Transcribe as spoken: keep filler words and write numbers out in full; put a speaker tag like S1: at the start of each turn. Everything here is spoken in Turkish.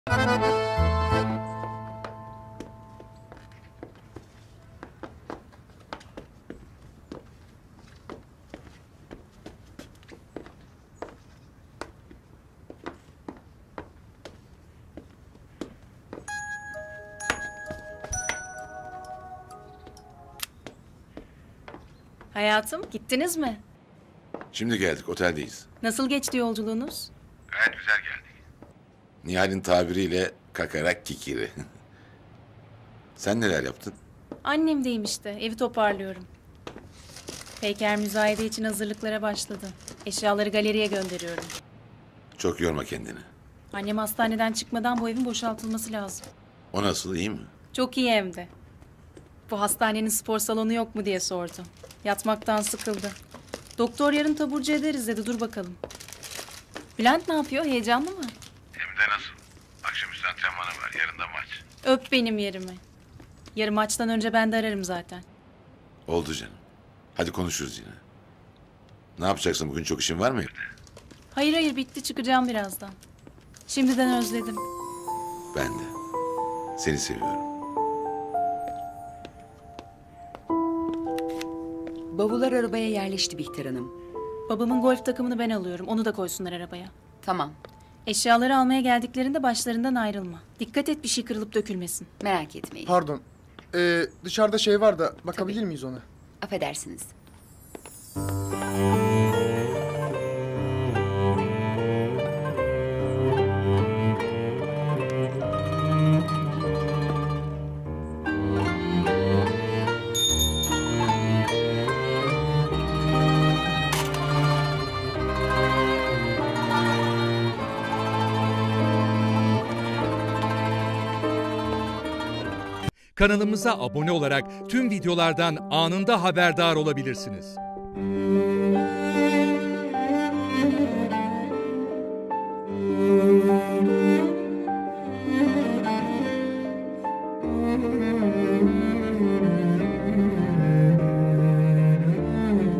S1: Hayatım, gittiniz mi?
S2: Şimdi geldik, oteldeyiz.
S1: Nasıl geçti yolculuğunuz?
S2: Gayet güzel geldik. Nihal'in tabiriyle kakarak kikiri. Sen neler yaptın?
S1: Annemdeyim işte, evi toparlıyorum. Peyker müzayede için hazırlıklara başladı. Eşyaları galeriye gönderiyorum.
S2: Çok yorma kendini.
S1: Annem hastaneden çıkmadan bu evin boşaltılması lazım.
S2: O nasıl, iyi mi?
S1: Çok iyi hem de. Bu hastanenin spor salonu yok mu diye sordu. Yatmaktan sıkıldı. Doktor yarın taburcu ederiz dedi, dur bakalım. Bülent ne yapıyor, heyecanlı mı?
S2: Hem de nasıl? Akşamüstü antrenmanı var, yarın da maç.
S1: Öp benim yerimi. Yarın maçtan önce ben de ararım zaten.
S2: Oldu canım. Hadi konuşuruz yine. Ne yapacaksın, bugün çok işin var mı evde?
S1: Hayır hayır, bitti, çıkacağım birazdan. Şimdiden özledim.
S2: Ben de. Seni seviyorum.
S3: Bavullar arabaya yerleşti Bihter Hanım.
S1: Babamın golf takımını ben alıyorum, onu da koysunlar arabaya.
S3: Tamam,
S1: Eşyaları almaya geldiklerinde başlarından ayrılma. Dikkat et bir şey kırılıp dökülmesin.
S3: merak etmeyin.
S4: Pardon. Ee, dışarıda şey var da bakabilir
S3: Tabii.
S4: miyiz ona?
S3: Affedersiniz.
S5: Kanalımıza abone olarak tüm videolardan anında haberdar olabilirsiniz.
S4: Müzik